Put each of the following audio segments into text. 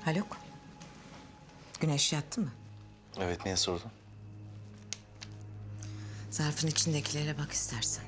Haluk, Güneş yattı mı? Evet, niye sordun? Zarfın içindekilere bak istersen.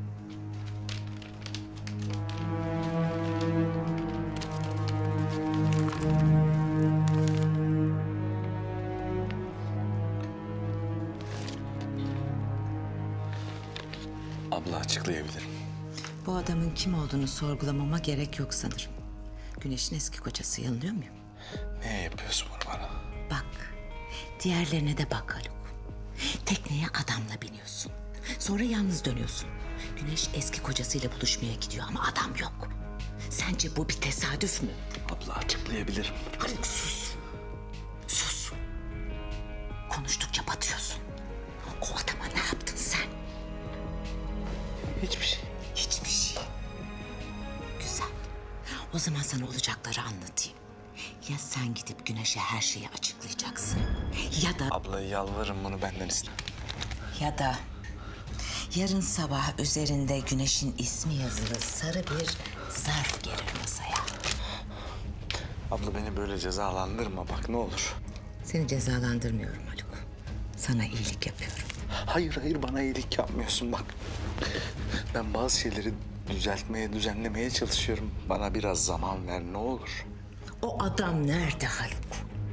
Abla, açıklayabilirim. Bu adamın kim olduğunu sorgulamama gerek yok sanırım. Güneş'in eski kocası, yanılıyor muyum? Niye yapıyorsun bunu bana? Bak, diğerlerine de bak Haluk. Tekneye adamla biniyorsun. Sonra yalnız dönüyorsun. Güneş eski kocasıyla buluşmaya gidiyor ama adam yok. Sence bu bir tesadüf mü? Abla, açıklayabilirim. Haluk sus. Sus. Konuştukça batıyorsun. O adama ne yaptın sen? Hiçbir şey. Hiçbir şey. Güzel. O zaman sana olacakları anlatayım. Ya sen gidip Güneş'e her şeyi açıklayacaksın. Ya da... Abla, yalvarırım, bunu benden iste. Ya da yarın sabah üzerinde Güneş'in ismi yazılı sarı bir zarf gelir masaya. Abla, beni böyle cezalandırma bak, ne olur. Seni cezalandırmıyorum Haluk. Sana iyilik yapıyorum. Hayır, bana iyilik yapmıyorsun bak. Ben bazı şeyleri düzeltmeye, düzenlemeye çalışıyorum. Bana biraz zaman ver, ne olur. O adam nerede Haluk?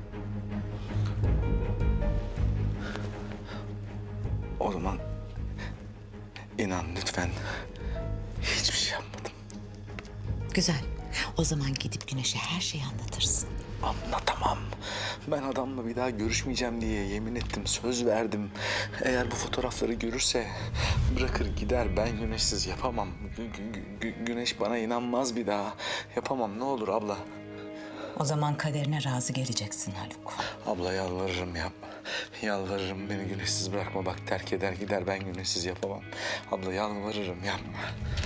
O zaman inan lütfen, hiçbir şey yapmadım. Güzel. O zaman gidip Güneş'e her şeyi anlatırsın. Anlatamam. Ben adamla bir daha görüşmeyeceğim diye yemin ettim, söz verdim. Eğer bu fotoğrafları görürse bırakır gider. Ben Güneşsiz yapamam. Güneş bana inanmaz bir daha. Yapamam, ne olur abla. O zaman kaderine razı geleceksin Haluk. Abla, yalvarırım yapma. Yalvarırım, beni Güneşsiz bırakma. Bak, terk eder gider, ben Güneşsiz yapamam. Abla, yalvarırım yapma.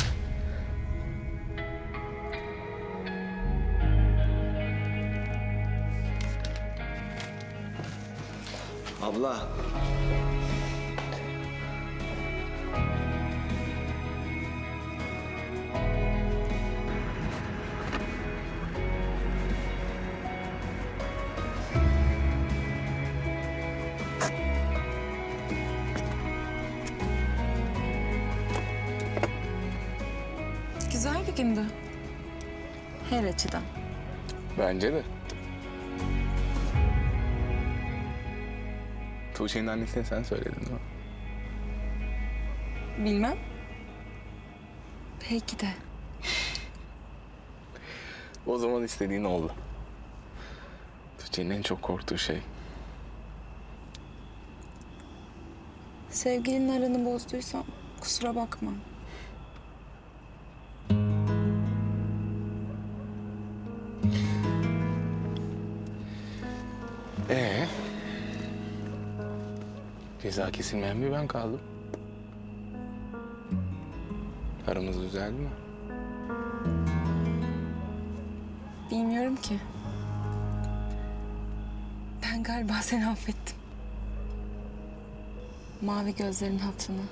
Abla. Güzel bir gündü. Her açıdan. Bence de. Tuğçe'nin annesine sen söyledin değil mi? Bilmem. Belki de. O zaman istediğin oldu. Tuğçe'nin en çok korktuğu şey. Sevgilinin aranı bozduysam kusura bakma. Ceza kesilmeyen bir ben kaldım. Aramız düzeldi mi? Bilmiyorum ki. Ben galiba seni affettim. Mavi gözlerin hatırına.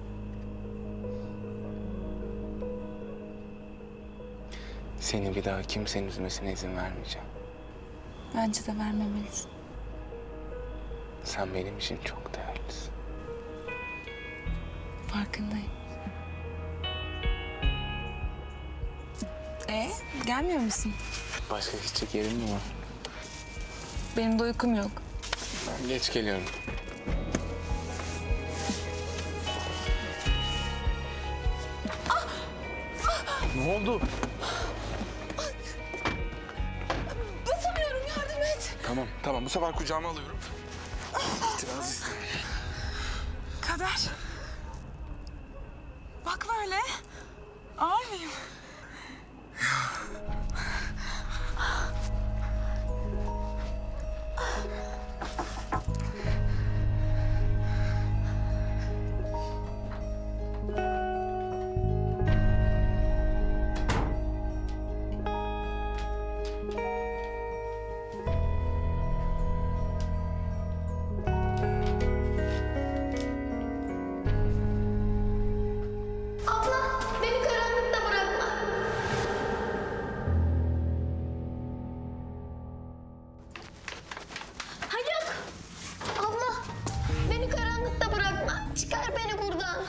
Seni bir daha kimsenin üzmesine izin vermeyeceğim. Bence de vermemelisin. Sen benim için çok değerlisin. Farkındayım. Gelmiyor musun? Başka gidecek yerin mi var? Benim de uykum yok. Ben geç geliyorum. Ne oldu? Basamıyorum, yardım et. Tamam. Bu sefer kucağıma alıyorum. İtiraz istemiyorum. Kader. Bak böyle. Ağır mıyım?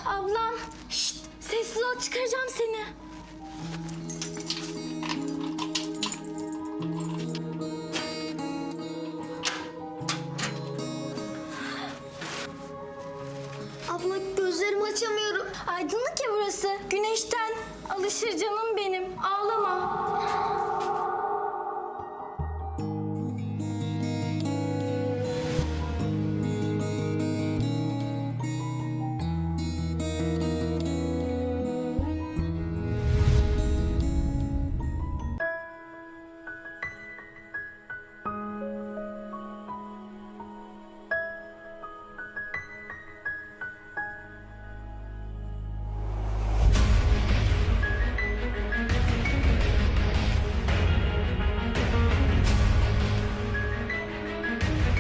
Ablam. Şşt, sessiz ol, çıkaracağım seni. Abla gözlerimi açamıyorum. Aydınlık ya burası. Güneşten alışır canım